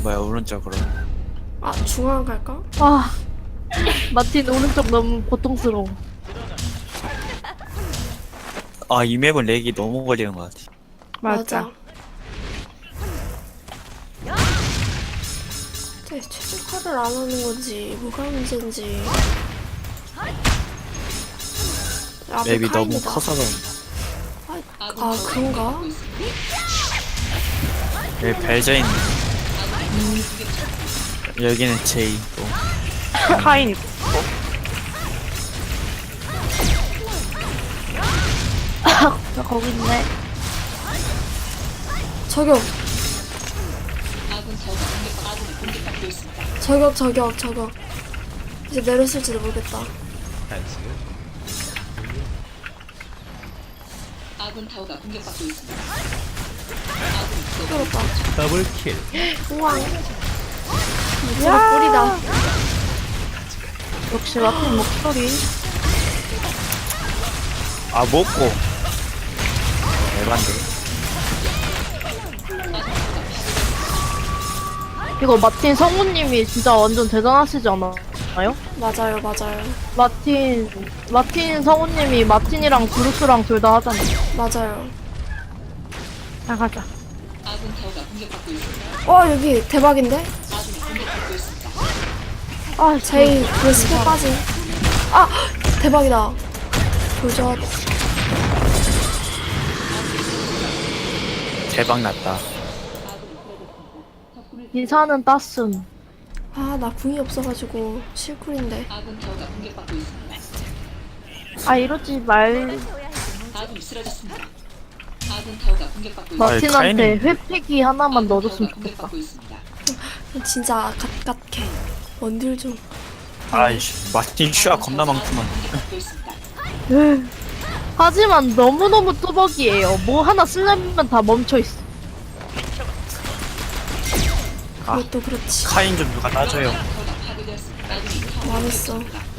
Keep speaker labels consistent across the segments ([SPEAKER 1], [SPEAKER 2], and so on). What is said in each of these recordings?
[SPEAKER 1] 뭐야 오른쪽으로.
[SPEAKER 2] 아 중앙 갈까?
[SPEAKER 3] 아, 마틴 오른쪽 너무 고통스러워.
[SPEAKER 1] 아 이 맵은 렉이 너무 걸리는 것 같아.
[SPEAKER 3] 맞아.
[SPEAKER 2] 최적화를 안 하는 건지 뭐가 문제인지. 앞에
[SPEAKER 1] 맵이 너무
[SPEAKER 2] 카인이다.
[SPEAKER 1] 커서 그런가.
[SPEAKER 2] 아 그런가?
[SPEAKER 1] 여기 벨저 있네. 여기는 제이 또.
[SPEAKER 3] 카인 있고. 저 거기 있네.
[SPEAKER 2] 저격. 저격. 이제 내렸을지도 모르겠다.
[SPEAKER 4] 아군 타워가 공격받고 있습니다.
[SPEAKER 2] 끌었다.
[SPEAKER 5] 더블킬.
[SPEAKER 2] 우와. 무지가 꿀이다.
[SPEAKER 3] 역시 마틴 목소리.
[SPEAKER 1] 아 먹고. 에반데.
[SPEAKER 3] 이거 마틴 성우님이 진짜 완전 대단하시지 않아요?
[SPEAKER 2] 맞아요.
[SPEAKER 3] 마틴 성우님이 마틴이랑 브루스랑 둘 다 하잖아요.
[SPEAKER 2] 맞아요.
[SPEAKER 3] 나가자.
[SPEAKER 4] 아군 타워가 공격받고 있습니다.
[SPEAKER 2] 여기 대박인데?
[SPEAKER 4] 아군이 공격받고 있습니다.
[SPEAKER 3] 아,
[SPEAKER 2] 제이 그 스킬 빠짐. 아 대박이다. 도전.
[SPEAKER 1] 대박 났다.
[SPEAKER 3] 기사는 땄음.
[SPEAKER 2] 아 나 궁이 없어가지고 실쿨인데.
[SPEAKER 4] 아군 타워가 공격받고 있습니다.
[SPEAKER 3] 아, 이러지 말.
[SPEAKER 4] 아군이 쓰러졌습니다. 아군 타워가 공격받고 있습니다.
[SPEAKER 3] 마틴한테
[SPEAKER 1] 카인이-
[SPEAKER 3] 회피기 하나만
[SPEAKER 4] 아군
[SPEAKER 3] 넣어줬으면
[SPEAKER 4] 타워가
[SPEAKER 3] 좋겠다.
[SPEAKER 4] 공격받고 있습니다.
[SPEAKER 2] 진짜 갓갓해. 원딜 좀.
[SPEAKER 1] 아이씨 마틴 슈아 겁나 많구만.
[SPEAKER 4] 공격받고 있습니다.
[SPEAKER 3] 하지만 너무너무 뚜벅이에요. 뭐 하나 쓰려면 다 멈춰있어.
[SPEAKER 1] 아.
[SPEAKER 2] 그것도 그렇지.
[SPEAKER 1] 카인 좀 누가 따줘요.
[SPEAKER 4] 타워가 파괴되었습니다. 아군이
[SPEAKER 2] 망했어.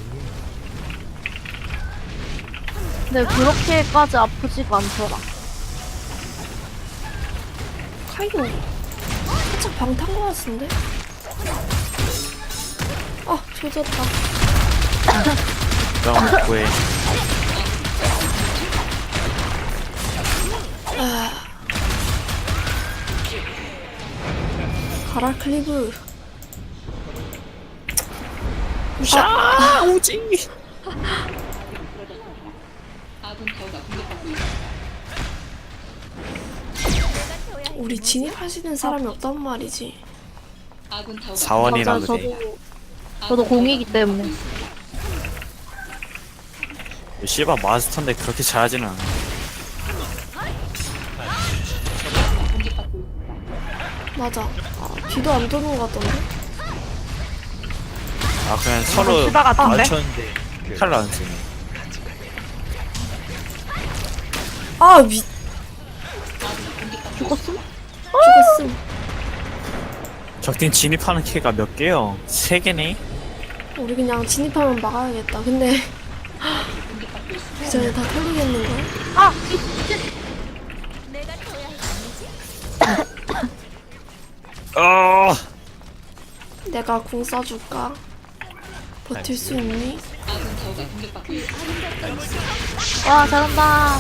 [SPEAKER 3] 근데 그렇게까지 아프지가 않더라.
[SPEAKER 2] 카이도 살짝 방 탄 거 같은데? 조졌다.
[SPEAKER 1] 그럼 구해.
[SPEAKER 2] 가라 클리브.
[SPEAKER 1] 샤 오지.
[SPEAKER 4] 아군 타워가 공격받고 있습니다.
[SPEAKER 2] 우리 진입하시는 사람이 없단 말이지.
[SPEAKER 4] 아군 타워가
[SPEAKER 1] 사원이라
[SPEAKER 3] 맞아,
[SPEAKER 1] 그래.
[SPEAKER 3] 저도 공이기 때문에.
[SPEAKER 1] 씨바 마스터인데 그렇게 잘하지는 않아.
[SPEAKER 4] 공격받고 있습니다.
[SPEAKER 2] 맞아. 비도 안 도는 것 같던데?
[SPEAKER 1] 아 그냥 서로
[SPEAKER 3] 시바 같은데?
[SPEAKER 1] 맞췄는데 칼로 안 쓰네.
[SPEAKER 3] 죽었음?
[SPEAKER 2] 죽었음.
[SPEAKER 1] 적팀 진입하는 키가 몇 개요? 3개네?
[SPEAKER 2] 우리 그냥 진입하면 막아야겠다. 근데 그 전에 다 털리겠는걸?
[SPEAKER 3] 아!
[SPEAKER 1] 어.
[SPEAKER 2] 내가 궁 쏴줄까? 버틸 수 있니?
[SPEAKER 4] 아군 타워가 공격받고 있습니다.
[SPEAKER 3] 와, 잘한다.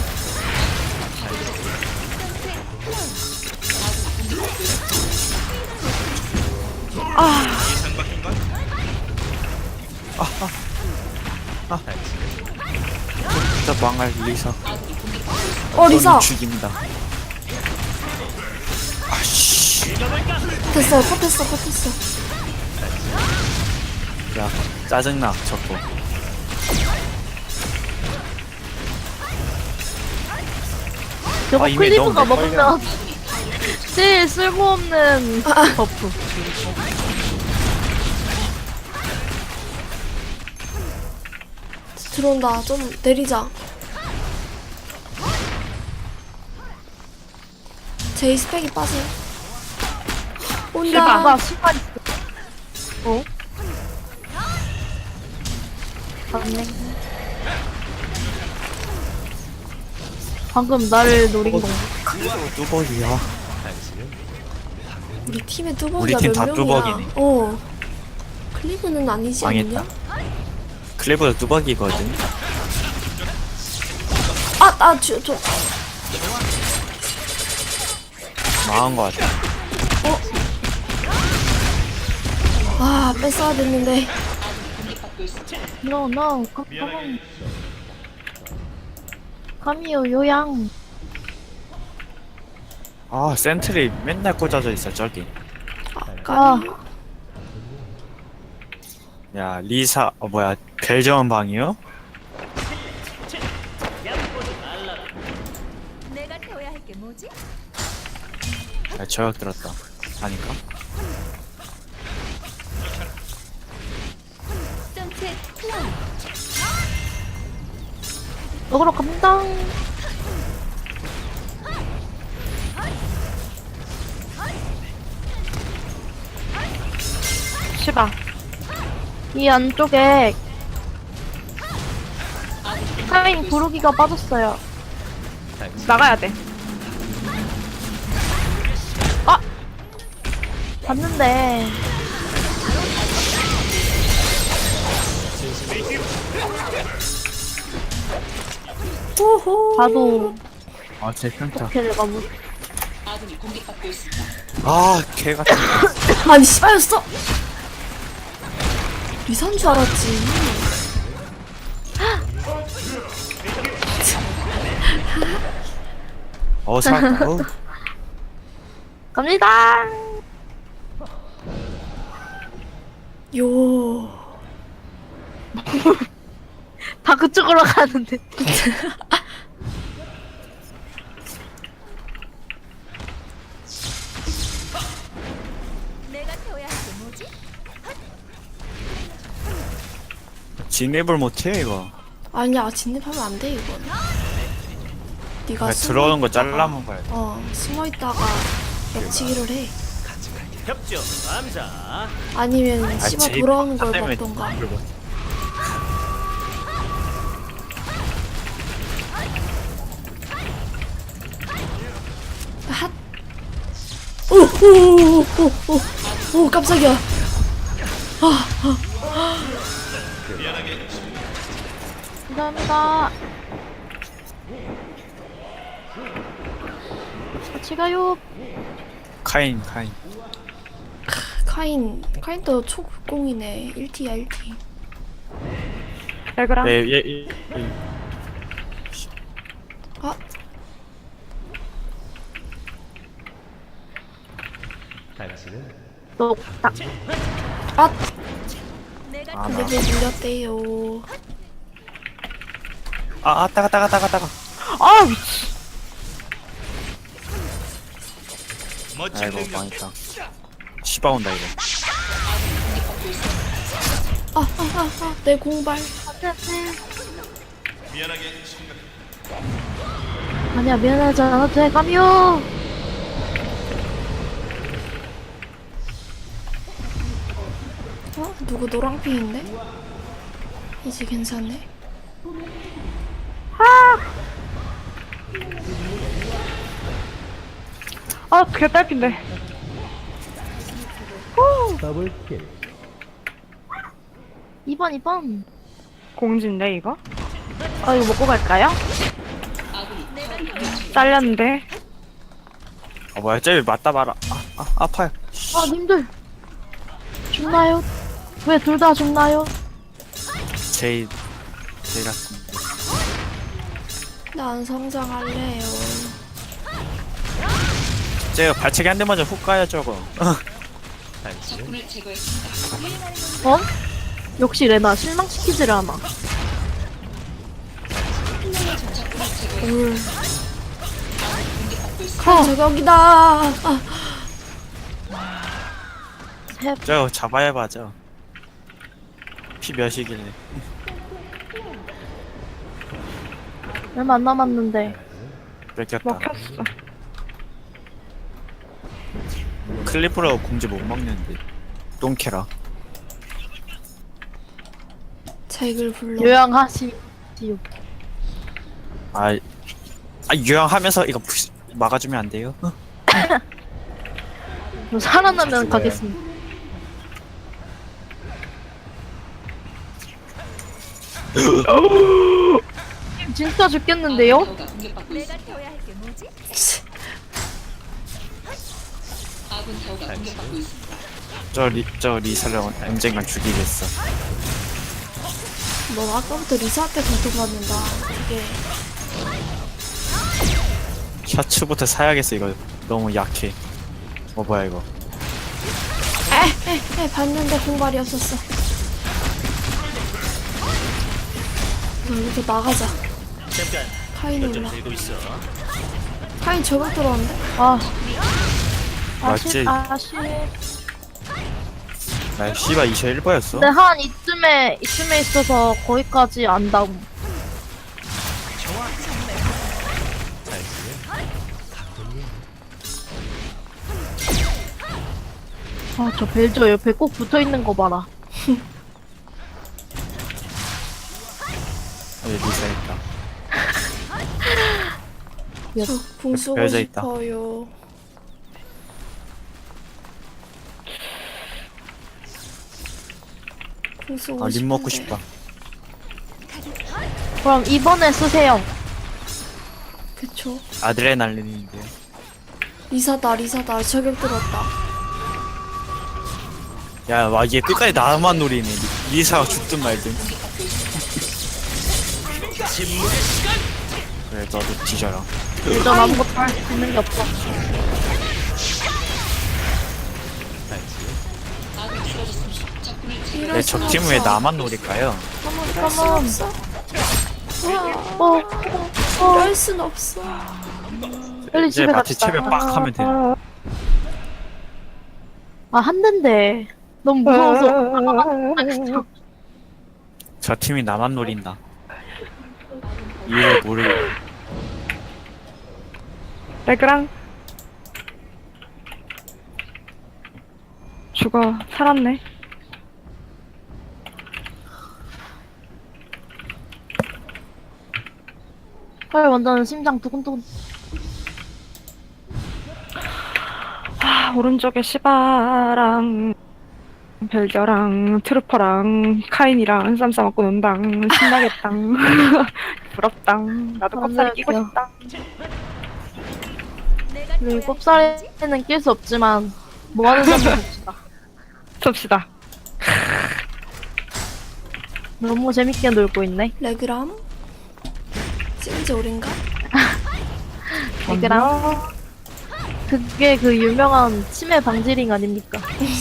[SPEAKER 1] 진짜 망할 리사.
[SPEAKER 2] 리사!
[SPEAKER 1] 너는 죽인다. 아씨.
[SPEAKER 2] 됐어, 컷했어.
[SPEAKER 1] 야 짜증나 저거.
[SPEAKER 3] 저거
[SPEAKER 1] 이미
[SPEAKER 3] 클리브가
[SPEAKER 1] 너무
[SPEAKER 3] 먹으면 제일 쓸모없는 버프.
[SPEAKER 2] 들어온다. 좀 내리자. 제이 스펙이 빠져. 온다.
[SPEAKER 3] 나 시간 있어. 어? 맞네. 방금 나를 노린 건가?
[SPEAKER 1] 뚜벅이야.
[SPEAKER 2] 우리 팀에
[SPEAKER 1] 우리
[SPEAKER 2] 뚜벅이가
[SPEAKER 1] 팀
[SPEAKER 2] 몇
[SPEAKER 1] 다
[SPEAKER 2] 명이야?
[SPEAKER 1] 뚜벅이네.
[SPEAKER 2] 클리브는 아니지
[SPEAKER 1] 망했다.
[SPEAKER 2] 않냐?
[SPEAKER 1] 클리브도 뚜벅이거든.
[SPEAKER 2] 저
[SPEAKER 1] 망한 거 같아.
[SPEAKER 2] 뺐어야 됐는데.
[SPEAKER 3] No, no, come on. 감이요, 요양.
[SPEAKER 1] 아 센트리 맨날 꽂아져 있어 저기.
[SPEAKER 3] 아,
[SPEAKER 1] 야 리사 뭐야 벨저원 방이요?
[SPEAKER 5] 내가 태워야 할 게 뭐지?
[SPEAKER 1] 야 저격 들었다. 아닌가?
[SPEAKER 5] 선셋 플라워.
[SPEAKER 3] 먹으러 갑니다. 시바. 이 안쪽에 카인 구르기가 빠졌어요. 나가야 돼. 아! 봤는데.
[SPEAKER 2] 호호.
[SPEAKER 3] 봐도
[SPEAKER 1] 아제 평타.
[SPEAKER 3] 켈레가 뭐.
[SPEAKER 4] 아군이 공격받고 있습니다.
[SPEAKER 1] 아개 같은.
[SPEAKER 2] 아니 씨발였어. 리산 줄 알았지.
[SPEAKER 1] 살았다.
[SPEAKER 3] 갑니다!
[SPEAKER 2] 요.
[SPEAKER 3] 다 그쪽으로 가는데.
[SPEAKER 5] 내가 태워야 할 게 뭐지?
[SPEAKER 1] 진입을 못해 이거.
[SPEAKER 2] 아니야 진입하면 안 돼 이건. 네가
[SPEAKER 1] 그냥 들어오는 거 잘라면 가야 돼.
[SPEAKER 2] 숨어 있다가 옆치기를 해.
[SPEAKER 6] 협조 남자
[SPEAKER 2] 아니면 씨발
[SPEAKER 1] 제이
[SPEAKER 2] 돌아오는 걸
[SPEAKER 1] 때문에
[SPEAKER 2] 먹던가.
[SPEAKER 1] 진입을 못해.
[SPEAKER 2] 핫. 오 깜짝이야.
[SPEAKER 3] 감사합니다. 같이 가요.
[SPEAKER 1] 카인.
[SPEAKER 2] 카인도 초급공이네. 1T야 1T.
[SPEAKER 3] 얘들아.
[SPEAKER 1] 얘
[SPEAKER 2] 아
[SPEAKER 6] 당신은
[SPEAKER 3] 너, 딱.
[SPEAKER 5] 내가
[SPEAKER 2] 근데 왜 밀렸대요.
[SPEAKER 1] 따가.
[SPEAKER 3] 아, 미치.
[SPEAKER 6] 멋진
[SPEAKER 1] 아이고
[SPEAKER 6] 능력
[SPEAKER 1] 망했다. 시바 온다 이거.
[SPEAKER 2] 내 공발.
[SPEAKER 6] 미안하게 생각
[SPEAKER 3] 아니야, 미안하지 않아도 돼, 까미요.
[SPEAKER 2] 누구 노랑핑인데? 이제 괜찮네.
[SPEAKER 3] 아, 그게 딸핀데.
[SPEAKER 6] 더블킬
[SPEAKER 3] 2번.
[SPEAKER 7] 공지인데 이거?
[SPEAKER 3] 아, 이거 먹고 갈까요?
[SPEAKER 7] 잘렸는데.
[SPEAKER 1] 뭐야 쟤 맞다 봐라. 아파요.
[SPEAKER 3] 아, 님들. 죽나요? 왜 둘 다 죽나요?
[SPEAKER 1] 제이 같은.
[SPEAKER 2] 난 성장할래요.
[SPEAKER 1] 쟤가 발차기 한 대 맞아 훅 가야 저거.
[SPEAKER 6] 당신은
[SPEAKER 4] 적군을 제거했습니다.
[SPEAKER 3] 어? 역시 레나 실망시키지를 않아.
[SPEAKER 2] 올.
[SPEAKER 3] 커.
[SPEAKER 2] 저격이다.
[SPEAKER 3] 셋.
[SPEAKER 1] 저거 잡아야 맞아. 피 몇이길래.
[SPEAKER 3] 얼마 안 남았는데.
[SPEAKER 1] 뺏겼다.
[SPEAKER 7] 먹혔어.
[SPEAKER 1] 클리프로 공지 못 먹는데. 똥캐라.
[SPEAKER 2] 잭을 불러.
[SPEAKER 3] 요양하시오.
[SPEAKER 1] 유형하면서 이거 막아주면 안 돼요?
[SPEAKER 3] 저 살아나면
[SPEAKER 1] 죽어요.
[SPEAKER 3] 가겠습니다. 진짜 죽겠는데요?
[SPEAKER 4] 타워가 공격받고
[SPEAKER 5] 내가
[SPEAKER 4] 있습니다.
[SPEAKER 5] 태워야 할 게 뭐지?
[SPEAKER 4] 아군 타워가 공격받고 있습니다.
[SPEAKER 1] 저 리사를 언젠간 죽이겠어.
[SPEAKER 2] 너 아까부터 리사한테 고통받는다. 이게
[SPEAKER 1] 셔츠부터 사야겠어. 이거 너무 약해. 뭐야 이거.
[SPEAKER 2] 봤는데 공발이 없었어. 여기서 나가자.
[SPEAKER 6] 잠깐.
[SPEAKER 2] 카인이
[SPEAKER 6] 좀
[SPEAKER 2] 올라.
[SPEAKER 6] 들고 있어.
[SPEAKER 2] 카인 저격 들어왔는데?
[SPEAKER 3] 아.
[SPEAKER 1] 맞지?
[SPEAKER 3] 아쉽.
[SPEAKER 1] 나 씨발 21%였어.
[SPEAKER 3] 근데 한 이쯤에 있어서 거기까지 안다고.
[SPEAKER 6] 나이스.
[SPEAKER 3] 아, 저 벨저 옆에 꼭 붙어 있는 거 봐라.
[SPEAKER 1] 여기 리사 있다.
[SPEAKER 2] 저 궁 쓰고
[SPEAKER 1] 벼져 있다.
[SPEAKER 2] 싶어요. 궁 쓰고
[SPEAKER 1] 림 먹고
[SPEAKER 2] 싶은데.
[SPEAKER 1] 싶다.
[SPEAKER 3] 그럼 이번에 쓰세요.
[SPEAKER 2] 그쵸.
[SPEAKER 1] 아드레날린인데요.
[SPEAKER 2] 리사다. 저격 들었다.
[SPEAKER 1] 야, 와, 얘 끝까지 나만 노리네. 리사가 죽든 말든. 그래, 너도 뒤져라.
[SPEAKER 3] 벨저 아무것도 할 수 있는 게 없어.
[SPEAKER 1] 내 적팀은 왜 나만 노릴까요?
[SPEAKER 2] 이럴 순 없어. 이럴 순 없어.
[SPEAKER 3] 빨리
[SPEAKER 1] 이제
[SPEAKER 3] 집에
[SPEAKER 1] 마치
[SPEAKER 3] 갑시다.
[SPEAKER 1] 채면 빡 하면 돼.
[SPEAKER 3] 아, 한 대인데. 너무 무서워서.
[SPEAKER 1] 저 팀이 나만 노린다. 이유를 모르고.
[SPEAKER 7] 레그랑 죽어. 살았네.
[SPEAKER 3] 헐, 완전 심장 두근두근.
[SPEAKER 7] 오른쪽에 시바랑 벨저랑 트루퍼랑 카인이랑 쌈 싸먹고 논당. 신나겠당. 부럽당. 나도 껍살이 끼고
[SPEAKER 3] 맞아요.
[SPEAKER 7] 싶다.
[SPEAKER 5] 내가 태워야 할게
[SPEAKER 3] 7살에는 낄 수 없지만 뭐 하는 건지 봅시다.
[SPEAKER 7] 섭시다.
[SPEAKER 3] 너무 재밌게 놀고 있네.
[SPEAKER 2] 레그람? 찍은 지 오랜가?
[SPEAKER 3] 얘들아. 그게 그 유명한 치매 방지링 아닙니까?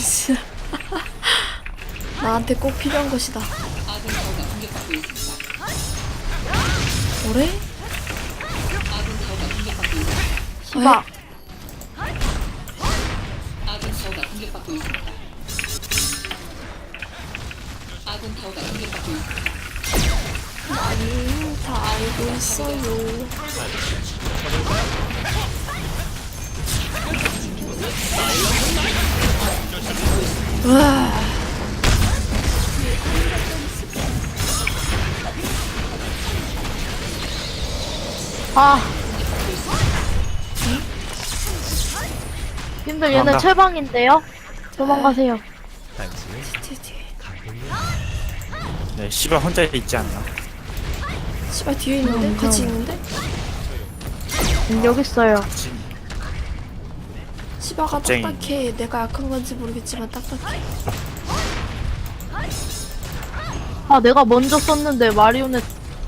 [SPEAKER 2] 나한테 꼭 필요한 것이다.
[SPEAKER 4] 아군 타워가 공격받고 있습니다.
[SPEAKER 2] 뭐래?
[SPEAKER 4] 아군 타워가 공격받고 있습니다.
[SPEAKER 3] 시바.
[SPEAKER 4] 아군 타워가 공격받고 있습니다. 아군 타워가 공격받고 있습니다.
[SPEAKER 2] 아니, 다 알고 있어요. 와,
[SPEAKER 3] 아. 님들 얘네
[SPEAKER 1] 도망가.
[SPEAKER 3] 최방인데요? 도망가세요.
[SPEAKER 6] 나이스.
[SPEAKER 2] 뒤에.
[SPEAKER 1] 네, 씨발 혼자 있지 않나?
[SPEAKER 2] 씨발 뒤에 있는데? 같이 있는데?
[SPEAKER 3] 여기 있어요.
[SPEAKER 2] 씨바가
[SPEAKER 1] 겁쟁이.
[SPEAKER 2] 딱딱해. 내가 약한 건지 모르겠지만 딱딱해.
[SPEAKER 3] 아, 내가 먼저 썼는데 마리오넷.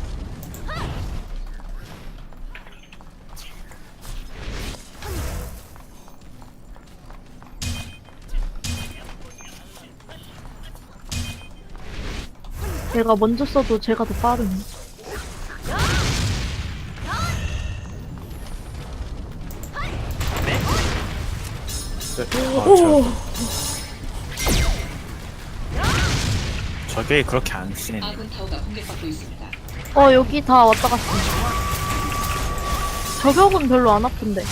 [SPEAKER 3] 내가 먼저 써도 제가 더 빠르네.
[SPEAKER 2] 오!
[SPEAKER 1] 저게 그렇게 안 쓰네.
[SPEAKER 4] 아군 타워가 공격받고 있습니다.
[SPEAKER 3] 여기 다 왔다 갔어. 저격은 별로 안 아픈데.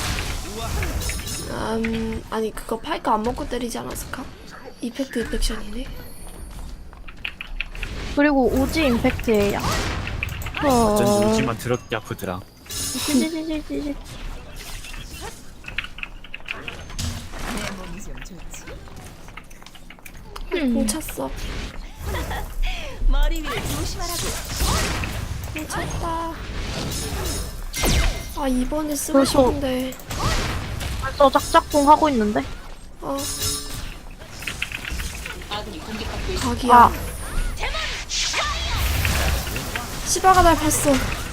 [SPEAKER 2] 아니 그거 파이크 안 먹고 때리지 않았을까? 이펙트 인펙션이네.
[SPEAKER 3] 그리고 오지 임팩트예요.
[SPEAKER 1] 어쩐지 요즘만 더럽게 아프더라.
[SPEAKER 3] 찌찌찌찌찌.
[SPEAKER 5] 내 몸이 좀
[SPEAKER 2] 공 찼어.
[SPEAKER 5] 머리 위를 조심하라고.
[SPEAKER 2] 공 찼다. 아 이번에 쓰고
[SPEAKER 3] 벌써-
[SPEAKER 2] 싶은데.
[SPEAKER 3] 벌써 짝짝꿍 하고 있는데?
[SPEAKER 2] 어
[SPEAKER 4] 아군이 공격받고 있습니다.
[SPEAKER 2] 각이야.
[SPEAKER 3] 아.
[SPEAKER 2] 시바가 날 봤어.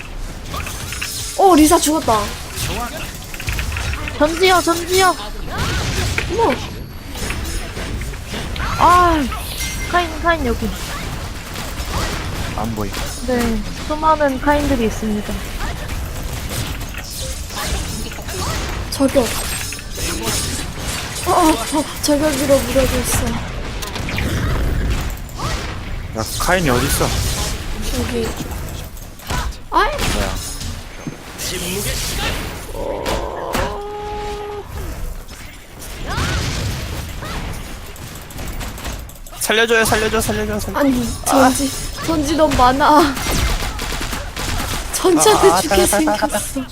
[SPEAKER 2] 오 리사 죽었다.
[SPEAKER 3] 전지요, 전지요!
[SPEAKER 2] 어머
[SPEAKER 3] 아, 카인 여기.
[SPEAKER 1] 안 보이.
[SPEAKER 3] 네, 수많은 카인들이 있습니다.
[SPEAKER 2] 저격. 저격으로 무력했어.
[SPEAKER 1] 야 카인이 어딨어?
[SPEAKER 2] 여기. 아이
[SPEAKER 1] 뭐야? 살려줘요 살려줘 살려줘 살려.
[SPEAKER 2] 아니 전지 너무 많아. 전지한테 죽게 생겼어.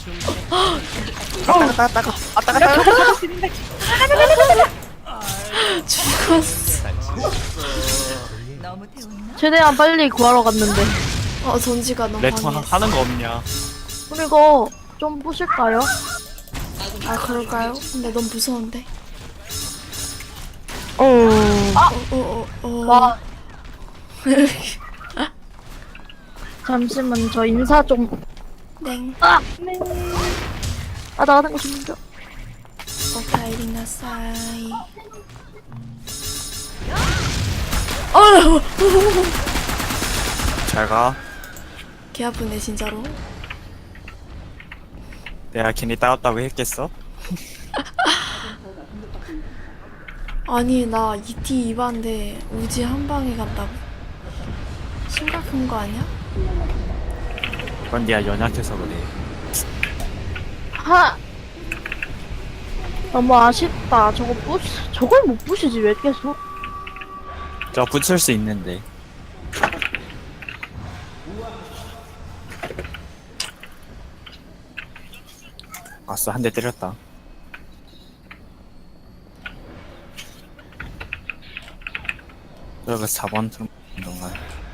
[SPEAKER 2] 죽었어.
[SPEAKER 5] 너무 태웠나?
[SPEAKER 3] 최대한 빨리 구하러 갔는데.
[SPEAKER 2] 전지가 너무
[SPEAKER 1] 레통
[SPEAKER 2] 강했어.
[SPEAKER 1] 하는 거 없냐?
[SPEAKER 3] 우리 이거 좀 보실까요?
[SPEAKER 2] 아 그럴까요? 근데 너무 무서운데.
[SPEAKER 3] 와. 잠시만, 저 인사 좀.
[SPEAKER 2] 땡.
[SPEAKER 3] 아! 네. 아, 나가는 거 좀.
[SPEAKER 2] 오카이리나사이.
[SPEAKER 1] 잘 가.
[SPEAKER 2] 개 아프네 진짜로.
[SPEAKER 1] 내가 괜히 따왔다고 했겠어?
[SPEAKER 2] 아니 나 ET 2반데 우지 한 방에 간다고? 심각한 거 아니야?
[SPEAKER 1] 그건 네가 연약해서 그래.
[SPEAKER 3] 하! 너무 아쉽다. 저걸 못 부시지, 왜 계속?
[SPEAKER 1] 저 붙일 수 있는데. 아싸 한 대 때렸다. 저거 4번 트럼 동안.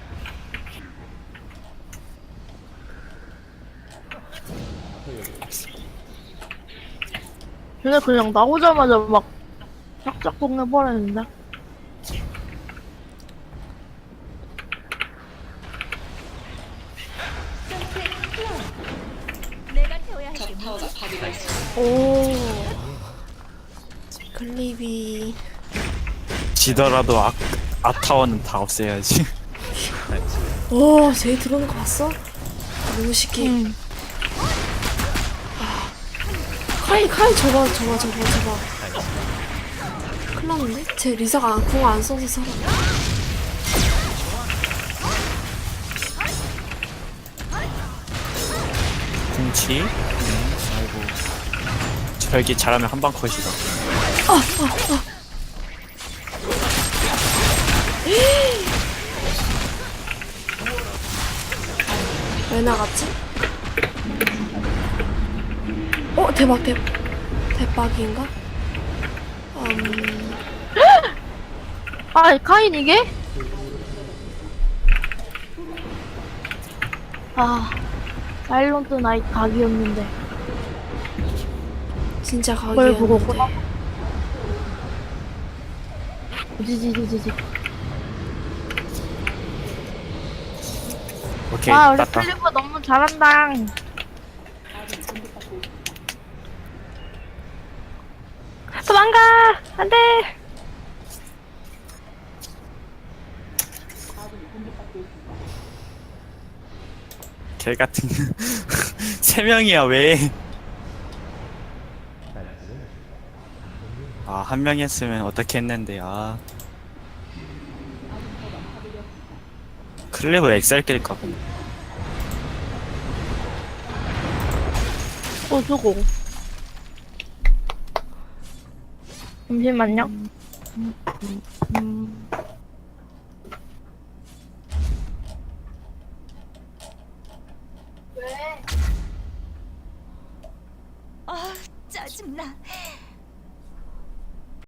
[SPEAKER 3] 쟤네 그냥 나오자마자 막 짝짝꿍 해버렸는데.
[SPEAKER 5] 내가 태워야 할게
[SPEAKER 4] 적
[SPEAKER 5] 뭐지?
[SPEAKER 4] 타워가 파괴되었습니다.
[SPEAKER 2] 오. 클립이.
[SPEAKER 1] 지더라도 아타워는 다 없애야지.
[SPEAKER 2] 오, 쟤 들어오는 거 봤어? 너무 시키. 카이 저봐. 큰일 났는데? 쟤 리사가 궁 안 써서 살아.
[SPEAKER 1] 궁치. 아이고. 저기 잘하면 한방 컷이다.
[SPEAKER 2] 왜 나갔지? 대박인가?
[SPEAKER 3] 아, 카인 이게? 아, 사일런트 나이트 각이었는데.
[SPEAKER 2] 진짜
[SPEAKER 3] 그걸 보고
[SPEAKER 2] 각이었는데.
[SPEAKER 3] 지지지지지.
[SPEAKER 1] 오케이
[SPEAKER 3] 와, 우리
[SPEAKER 1] 땄다.
[SPEAKER 3] 클리브 너무 잘한다.
[SPEAKER 7] 도망가! 안 돼!
[SPEAKER 1] 개 같은. 3명이야 왜? 아, 한 명 했으면 어떻게 했는데, 아. 클레버 엑셀 낄까, 보네.
[SPEAKER 3] 저거. 잠시만요.